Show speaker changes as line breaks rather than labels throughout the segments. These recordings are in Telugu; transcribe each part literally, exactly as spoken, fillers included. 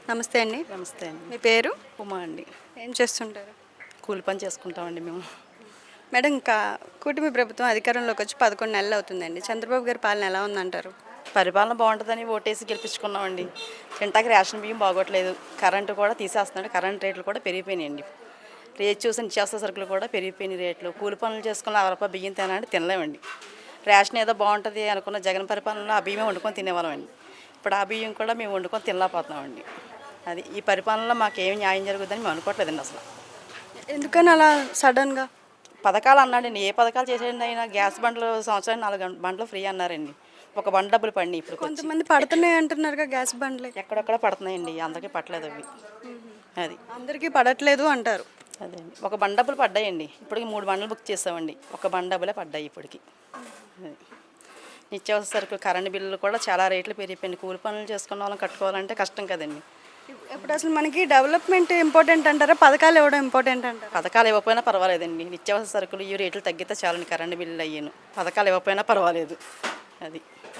నమస్తే అండి.
నమస్తే అండి.
మీ పేరు?
ఉమా అండి.
ఏం చేస్తుంటారు?
కూలి పని చేసుకుంటామండి మేము.
మేడం, ఇంకా కూటమి ప్రభుత్వం అధికారంలోకి వచ్చి పదకొండు నెలలు అవుతుందండి. చంద్రబాబు గారి పాలన ఎలా ఉందంటారు?
పరిపాలన బాగుంటుందని ఓటేసి గెలిపించుకున్నామండి. తింటాకి రేషన్ బియ్యం బాగోట్లేదు, కరెంటు కూడా తీసేస్తున్నాడు, కరెంట్ రేట్లు కూడా పెరిగిపోయినాయండి. రేట్ చూసి నిత్యావసర సరుకులు కూడా పెరిగిపోయినాయి రేట్లు. కూలి పనులు చేసుకున్న అరవై రూపాయలు బియ్యం తినాలంటే తినలేమండి. రేషన్ ఏదో బాగుంటుంది అనుకున్న జగన్ పరిపాలనలో ఆ బియ్యం వండుకొని తినేవాళ్ళమండి. ఇప్పుడు ఆ బియ్యం కూడా మేము వండుకొని తినలేకపోతున్నామండి. అది ఈ పరిపాలనలో మాకు ఏమి న్యాయం జరుగుతుందని మేము అనుకోవట్లేదండి అసలు.
ఎందుకని అలా సడన్గా?
పథకాలు అన్నాడండి, ఏ పథకాలు చేసేయండి అయినా గ్యాస్ బండ్లు సంవత్సరానికి నాలుగు బండ్లు ఫ్రీ అన్నారండి. ఒక బండ్ డబ్బులు పడినాయి. ఇప్పుడు
కొంతమంది పడుతున్నాయి అంటున్నారుగా గ్యాస్ బండ్లు.
ఎక్కడెక్కడ పడుతున్నాయండి, అందరికీ పట్టలేదు అవి. అది
అందరికీ పడట్లేదు అంటారు.
అదే అండి, ఒక బండ్ డబ్బులు పడ్డాయండి. ఇప్పటికి మూడు బండ్లు బుక్ చేసామండి, ఒక బండ్ డబ్బులే పడ్డాయి ఇప్పటికి. నిత్యావసర సరుకులు కరెంటు బిల్లులు కూడా చాలా రేట్లు పెరిగిపోయింది. కూలి పనులు చేసుకున్న వాళ్ళని కట్టుకోవాలంటే కష్టం కదండి.
ఇప్పుడు అసలు మనకి డెవలప్మెంట్ ఇంపార్టెంట్ అంటారా, పథకాలు ఇవ్వడం ఇంపార్టెంట్ అంటారా?
పథకాలు ఇవ్వకపోయినా పర్వాలేదండి. నిత్యావసర సరుకులు ఈ రేట్లు తగ్గితే చాలండి, కరెంటు బిల్లులు అయ్యాను. పథకాలు ఇవ్వకపోయినా పర్వాలేదు. అది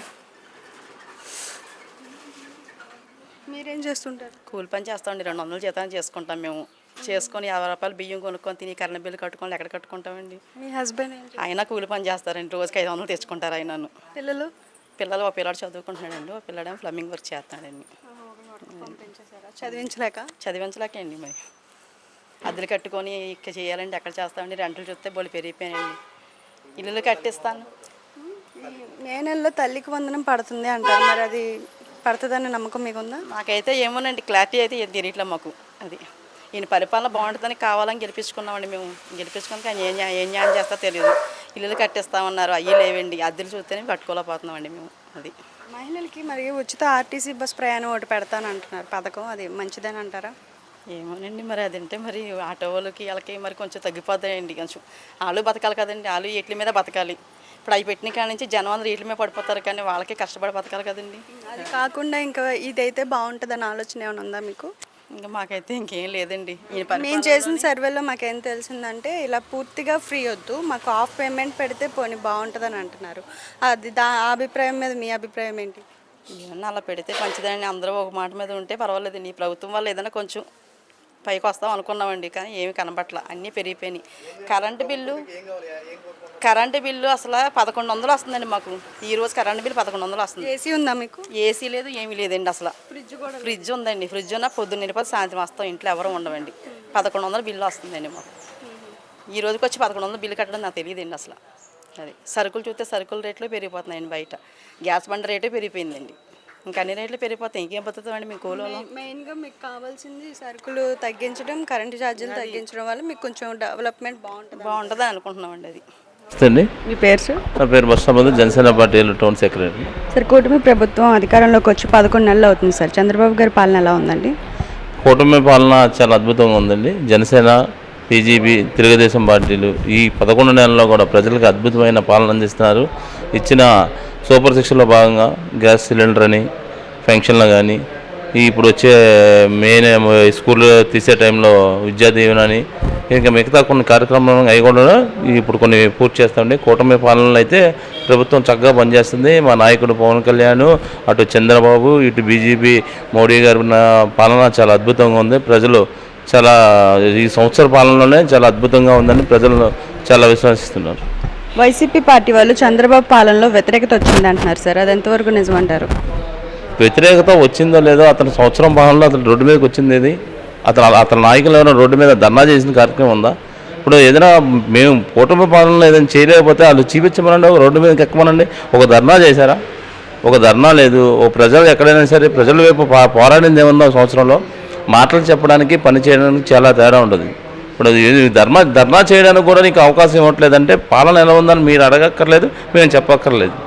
మీరేం చేస్తుంటారు?
కూలి పని చేస్తామండి. రెండు వందలు జీతాన్ని చేసుకుంటాం మేము. చేసుకొని యాభై రూపాయలు బియ్యం కొనుక్కొని తిని కరెంట్ బిల్లు కట్టుకొని ఎక్కడ కట్టుకుంటామండి.
మీ హస్బెండ్
ఆయన కూలి పని చేస్తారండి, రోజుకి ఐదు వందలు తెచ్చుకుంటారు ఆయనను.
పిల్లలు?
పిల్లలు ఒక పిల్లాడు చదువుకుంటున్నాడండి, ఒక పిల్లాడేమో ప్లంబింగ్ వర్క్ చేస్తాడండి.
చదివించలేక?
చదివించలేకండి మరి. అద్దెలు కట్టుకొని ఇక్కడ చేయాలండి, ఎక్కడ చేస్తామండి. రెంట్లు చూస్తే బోళ్ళు పెరిగిపోయాయండి. ఇల్లులు కట్టిస్తాను.
మే నెలలో తల్లికి వందనం పడుతుంది అంటారు, మరి అది పడుతుందని నమ్మకం మీకుందా?
నాకైతే ఏమోనండి, క్లారిటీ అయితే ఏం తెలియట్లే మాకు. అది ఈయన పరిపాలన బాగుంటుందని కావాలని గెలిపించుకున్నామండి మేము. గెలిపించుకున్నాక ఆయన ఏం ఏం న్యాయం చేస్తా తెలియదు. ఇల్లులు కట్టిస్తామన్నారు, అయ్యి లేవండి. అద్దెలు చూస్తేనే కట్టుకోలేకపోతున్నామండి మేము. అది
మహిళలకి మరి ఉచిత ఆర్టీసీ బస్ ప్రయాణం ఒకటి పెడతాను అంటున్నారు పథకం, అది మంచిదని అంటారా?
ఏమోనండి, మరి అదంటే మరి ఆటో వాళ్ళకి వాళ్ళకి మరి కొంచెం తగ్గిపోతాయండి. కొంచెం వాళ్ళు బతకాలి కదండి, వాళ్ళు వీటి మీద బతకాలి. ఇప్పుడు అవి పెట్టిన కాడ నుంచి జనం అందరూ వీటి మీద పడిపోతారు, కానీ వాళ్ళకి కష్టపడి బతకాలి కదండి.
అది కాకుండా ఇంకా ఇదైతే బాగుంటుందని ఆలోచన ఏమైనా ఉందా మీకు?
ఇంకా మాకైతే ఇంకేం లేదండి.
మేము చేసిన సర్వేలో మాకేం తెలిసిందంటే ఇలా పూర్తిగా ఫ్రీ వద్దు, మాకు హాఫ్ పేమెంట్ పెడితే పోనీ బాగుంటుందని అంటున్నారు. అది దా అభిప్రాయం మీద మీ అభిప్రాయం ఏంటి?
ఏమన్నా అలా పెడితే మంచిదని అందరూ ఒక మాట మీద ఉంటే పర్వాలేదండి. ఈ ప్రభుత్వం వల్ల ఏదైనా కొంచెం పైకి వస్తాం అనుకున్నామండి, కానీ ఏమి కనబట్ల, అన్నీ పెరిగిపోయినాయి. కరెంటు బిల్లు కరెంటు బిల్లు అసలు పదకొండు వందలు వస్తుందండి మాకు. ఈరోజు కరెంటు బిల్లు పదకొండు వందలు వస్తుంది.
ఏసీ ఉందా మీకు?
ఏసీ లేదు, ఏమీ లేదండి. అసలు
ఫ్రిడ్జ్ కూడా?
ఫ్రిడ్జ్ ఉందండి. ఫ్రిడ్జ్ ఉన్న పొద్దున్న నిలిపోతే సాయంత్రం వస్తాం, ఇంట్లో ఎవరు ఉండవండి. పదకొండు వందలు బిల్లు వస్తుందండి మాకు. ఈ రోజుకి వచ్చి పదకొండు వందలు బిల్లు కట్టడం నాకు తెలియదండి అసలు. అది సరుకులు చూస్తే సరుకుల రేట్లు పెరిగిపోతున్నాయండి. బయట గ్యాస్ బండ రేటే పెరిగిపోయిందండి. ఇంకా అన్ని రేట్లు పెరిగిపోతాయి, ఇంకేం బతుకుతామండి మీ కూలలో?
మెయిన్గా మీకు కావాల్సింది సరుకులు తగ్గించడం, కరెంటు ఛార్జీలు తగ్గించడం వల్ల మీకు కొంచెం డెవలప్మెంట్ బాగుంటుంది
బాగుంటుందని అనుకుంటున్నామండి. అది
అండి.
మీ పేరు సార్?
నా పేరు బస్సాబాద్, Janasena party town secretary.
Sir, కూటమి ప్రభుత్వం అధికారంలోకి వచ్చి పదకొండు నెలలు అవుతుంది సార్. చంద్రబాబు గారి పాలన ఎలా ఉందండి?
కూటమి పాలన చాలా అద్భుతంగా ఉందండి. జనసేన, బీజేపీ, తెలుగుదేశం పార్టీలు ఈ పదకొండు నెలల్లో కూడా ప్రజలకు అద్భుతమైన పాలన అందిస్తున్నారు. ఇచ్చిన సూపర్ సిక్స్లో భాగంగా గ్యాస్ సిలిండర్ అని, ఫంక్షన్లు కానీ, ఇప్పుడు వచ్చే మెయిన్ స్కూల్ తీసే టైంలో విద్యా దీవెన అని, ఇంకా మిగతా కొన్ని కార్యక్రమాలు అవి కూడా ఇప్పుడు కొన్ని పూర్తి చేస్తామండి. కూటమి పాలనలో అయితే ప్రభుత్వం చక్కగా పనిచేస్తుంది. మా నాయకుడు పవన్ కళ్యాణ్, అటు చంద్రబాబు, ఇటు బీజేపీ మోడీ గారి పాలన చాలా అద్భుతంగా ఉంది. ప్రజలు చాలా ఈ సంవత్సర పాలనలోనే చాలా అద్భుతంగా ఉందని ప్రజలు చాలా విశ్వసిస్తున్నారు.
వైసీపీ పార్టీ వాళ్ళు చంద్రబాబు పాలనలో వ్యతిరేకత వచ్చింది అంటున్నారు సార్, అది ఎంతవరకు నిజమంటారు?
వ్యతిరేకత వచ్చిందో లేదో, అతను సంవత్సరం పాలనలో అతను రోడ్డు మీదకి వచ్చింది ఏది? అతను అతని నాయకులు ఏమైనా రోడ్డు మీద ధర్నా చేసిన కార్యక్రమం ఉందా? ఇప్పుడు ఏదైనా మేము కూటమి పాలనలో ఏదైనా చేయలేకపోతే వాళ్ళు చూపించమనండి, ఒక రోడ్డు మీదకి ఎక్కమనండి. ఒక ధర్నా చేశారా? ఒక ధర్నా లేదు. ఓ ప్రజలు ఎక్కడైనా సరే ప్రజల వైపు పోరాడింది ఏమన్నా సంవత్సరంలో? మాటలు చెప్పడానికి పని చేయడానికి చాలా తేడా ఉంటుంది. ఇప్పుడు ధర్నా ధర్నా చేయడానికి కూడా నీకు అవకాశం ఇవ్వట్లేదంటే పాలన ఎలా ఉందని మీరు అడగక్కర్లేదు, మేము చెప్పక్కర్లేదు.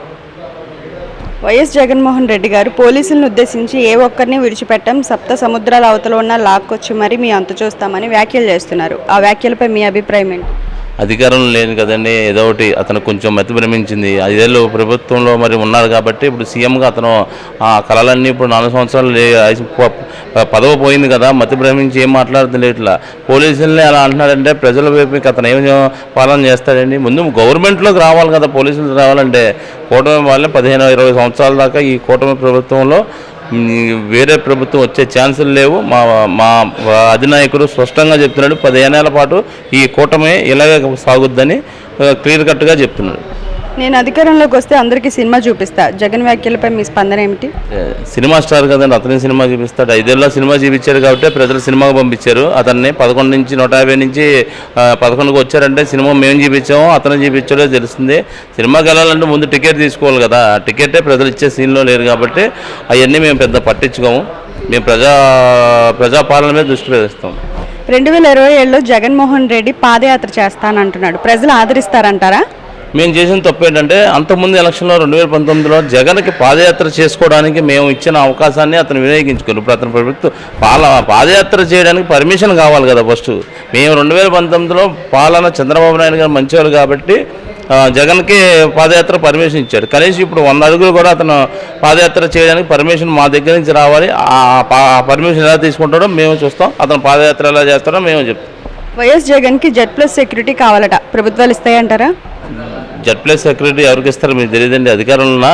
వైఎస్ జగన్మోహన్ రెడ్డి గారు పోలీసులను ఉద్దేశించి ఏ ఒక్కరిని విడిచిపెట్టం, సప్త సముద్రాల అవతల ఉన్న లాక్కొచ్చి మరి మీ అంతు చూస్తామని వ్యాఖ్యలు చేస్తున్నారు. ఆ వ్యాఖ్యలపై మీ అభిప్రాయం ఏంటి?
అధికారం లేదు కదండి, ఏదో ఒకటి అతను కొంచెం మతి భ్రమించింది. ఐదేళ్ళు ప్రభుత్వంలో మరి ఉన్నారు కాబట్టి ఇప్పుడు సీఎంగా అతను ఆ కళలన్నీ ఇప్పుడు నాలుగు సంవత్సరాలు పదవి పోయింది కదా, మతి భ్రమించి ఏం మాట్లాడుతుంది ఇట్లా. పోలీసులనే అలా అంటున్నాడంటే ప్రజల వైపు అతను ఏం పాలన చేస్తాడండి? ముందు గవర్నమెంట్లోకి రావాలి కదా పోలీసులు రావాలంటే. కూటమి వాళ్ళని పదిహేను ఇరవై సంవత్సరాల దాకా ఈ కూటమి ప్రభుత్వంలో వేరే ప్రభుత్వం వచ్చే ఛాన్సులు లేవు. మా మా అధినాయకుడు స్పష్టంగా చెప్తున్నాడు, పదిహేనేళ్ల పాటు ఈ కూటమి ఇలాగే సాగుద్దని క్లియర్ కట్గా చెప్తున్నాడు.
నేను అధికారంలోకి వస్తే అందరికీ సినిమా చూపిస్తా, జగన్ వ్యాఖ్యలపై మీ స్పందన ఏమిటి?
సినిమా స్టార్ కదండి, అతని సినిమా చూపిస్తాడు. ఐదేళ్ళలో సినిమా చూపించారు కాబట్టి ప్రజలు సినిమాకు పంపించారు అతన్ని. పదకొండు నుంచి నూట యాభై నుంచి పదకొండుకి వచ్చారంటే సినిమా మేము చూపించాము, అతను చూపించాడో తెలుస్తుంది. సినిమాకి వెళ్ళాలంటే ముందు టికెట్ తీసుకోవాలి కదా, ఆ టికెటే ప్రజలు ఇచ్చే సీన్లో లేరు కాబట్టి అవన్నీ మేము పెద్ద పట్టించుకోము. మేము ప్రజా ప్రజాపాలన మీద దృష్టి పెడతాం.
రెండు వేల ఇరవై ఏడులో జగన్మోహన్ రెడ్డి పాదయాత్ర చేస్తానంటున్నాడు, ప్రజలు ఆదరిస్తారంటారా?
మేము చేసిన తప్పు ఏంటంటే అంతకుముందు ఎలక్షన్లో రెండు వేల పంతొమ్మిదిలో జగన్కి పాదయాత్ర చేసుకోవడానికి మేము ఇచ్చిన అవకాశాన్ని అతను వినియోగించుకోరు. ఇప్పుడు అతని ప్రభుత్వం పాల పాదయాత్ర చేయడానికి పర్మిషన్ కావాలి కదా ఫస్ట్. మేము రెండు వేల పంతొమ్మిదిలో పాలన చంద్రబాబు నాయుడు గారు మంచివారు కాబట్టి జగన్కి పాదయాత్ర పర్మిషన్ ఇచ్చాడు. కనీసం ఇప్పుడు వంద అడుగులు కూడా అతను పాదయాత్ర చేయడానికి పర్మిషన్ మా దగ్గర నుంచి రావాలి. ఆ పర్మిషన్ ఎలా తీసుకుంటాడో మేము చూస్తాం, అతను పాదయాత్ర ఎలా చేస్తాడో మేము చెప్తాం.
వైఎస్ జగన్కి జెడ్ ప్లస్ సెక్యూరిటీ కావాలట, ప్రభుత్వాలు ఇస్తాయంటారా?
జెడ్ ప్లస్ సెక్యూరిటీ ఎవరికి ఇస్తారు మీకు తెలియదండి. అధికారంలో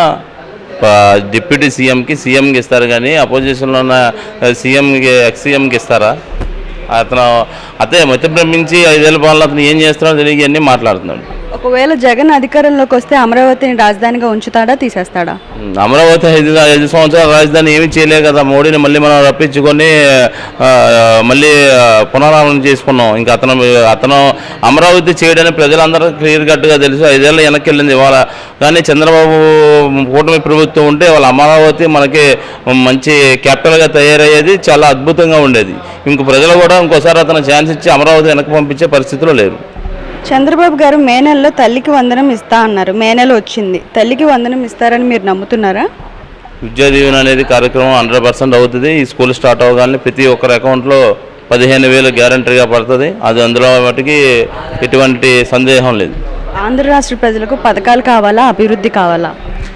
డిప్యూటీ సీఎంకి సీఎంకి ఇస్తారు కానీ అపోజిషన్లో ఉన్న సీఎంకి ఎక్స్ సీఎంకి ఇస్తారా? అతను అదే మధ్య భ్రమించి ఐదేళ్ళ పాలన అతను ఏం చేస్తున్నాడో తెలియ అన్నీ మాట్లాడుతున్నాడు.
ఒకవేళ జగన్ అధికారంలోకి వస్తే అమరావతిని రాజధానిగా ఉంచుతాడా, తీసేస్తాడా?
అమరావతి ఐదు ఐదు సంవత్సరాల రాజధాని ఏమీ చేయలే కదా, మోడీని మళ్ళీ మనం రప్పించుకొని మళ్ళీ పునరావరణ చేసుకున్నాం. ఇంకా అతను అతను అమరావతి చేయడానికి ప్రజలందరూ క్లియర్ కట్గా తెలుసు. ఐదేళ్ళు వెనక్కి వెళ్ళింది ఇవాళ. కానీ చంద్రబాబు కూటమి ప్రభుత్వం ఉంటే వాళ్ళ అమరావతి మనకి మంచి క్యాపిటల్గా తయారయ్యేది, చాలా అద్భుతంగా ఉండేది. ఇంక ప్రజలు కూడా ఇంకోసారి అతను ఛాన్స్ ఇచ్చి అమరావతి వెనక్కి పంపించే పరిస్థితిలో లేరు.
చంద్రబాబు గారు మే నెలలో తల్లికి వందనం ఇస్తా అన్నారు, మే నెల వచ్చింది, తల్లికి వందనం ఇస్తారని మీరు నమ్ముతున్నారా?
విద్యా దీవెన అనేది కార్యక్రమం హండ్రెడ్ పర్సెంట్ అవుతుంది. ఈ స్కూల్ స్టార్ట్ అవ్వగానే ప్రతి ఒక్కరి అకౌంట్లో పదిహేను వేలు గ్యారంటీగా పడుతుంది. అది అందులో మటుకి ఎటువంటి సందేహం లేదు.
ఆంధ్ర రాష్ట్ర ప్రజలకు పథకాలు కావాలా, అభివృద్ధి కావాలా?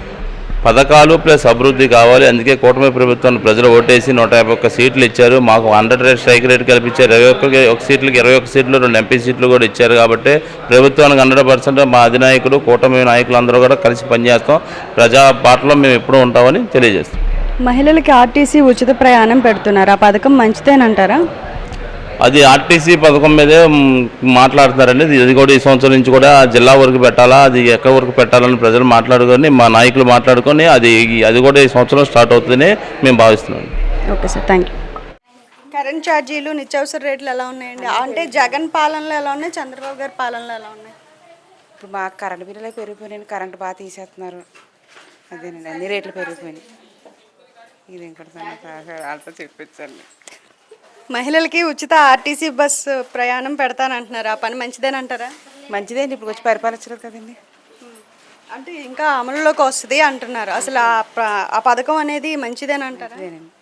పథకాలు ప్లస్ అభివృద్ధి కావాలి. అందుకే కూటమి ప్రభుత్వాన్ని ప్రజలు ఓటేసి నూట యాభై ఒక్క సీట్లు ఇచ్చారు. మాకు హండ్రెడ్ రేట్ స్ట్రైక్ రేట్ కల్పించారు. ఇరవై ఒక్క ఒక సీట్లకి ఇరవై ఒక్క సీట్లు రెండు ఎంపీ సీట్లు కూడా ఇచ్చారు. కాబట్టి ప్రభుత్వానికి హండ్రెడ్ పర్సెంట్ మా అధినాయకుడు కూటమి నాయకులందరూ కూడా కలిసి పనిచేస్తాం. ప్రజా బాటలో మేము ఎప్పుడూ ఉంటామని తెలియజేస్తాం.
మహిళలకి ఆర్టీసీ ఉచిత ప్రయాణం పెడుతున్నారు, ఆ పథకం మంచిదేనంటారా?
అది ఆర్టీసీ పథకం మీదే మాట్లాడుతున్నారండి. ఇది కూడా ఈ సంవత్సరం నుంచి కూడా జిల్లా వరకు పెట్టాలా, అది ఎక్కడి వరకు పెట్టాలని ప్రజలు మాట్లాడుకొని మా నాయకులు మాట్లాడుకొని అది అది కూడా ఈ సంవత్సరం స్టార్ట్ అవుతుందని మేము భావిస్తున్నాం.
Okay sir, thank you. Current ఛార్జీలు, నిత్యావసర రేట్లు ఎలా ఉన్నాయండి? అంటే జగన్ పాలనలో ఎలా ఉన్నాయి, చంద్రబాబు గారి పాలనలో ఎలా ఉన్నాయి?
ఇప్పుడు మాకు కరెంట్ బిల్లులే పెరిగిపోయినాయి, కరెంట్ బాగా తీసేస్తున్నారు. అదేనండి, అన్ని రేట్లు పెరిగిపోయినాయి. ఇది ఇంకోటి వాళ్ళతో చెప్పించండి.
మహిళలకి ఉచిత ఆర్టీసీ బస్సు ప్రయాణం పెడతానంటున్నారు, ఆ పని మంచిదేనంటారా?
మంచిదేండి, ఇప్పుడు వచ్చి పరిపాలించలేదు కదండి.
అంటే ఇంకా అమలులోకి వస్తుంది అంటున్నారు, అసలు ఆ పథకం అనేది మంచిదేనంటారా?
అదేనండి.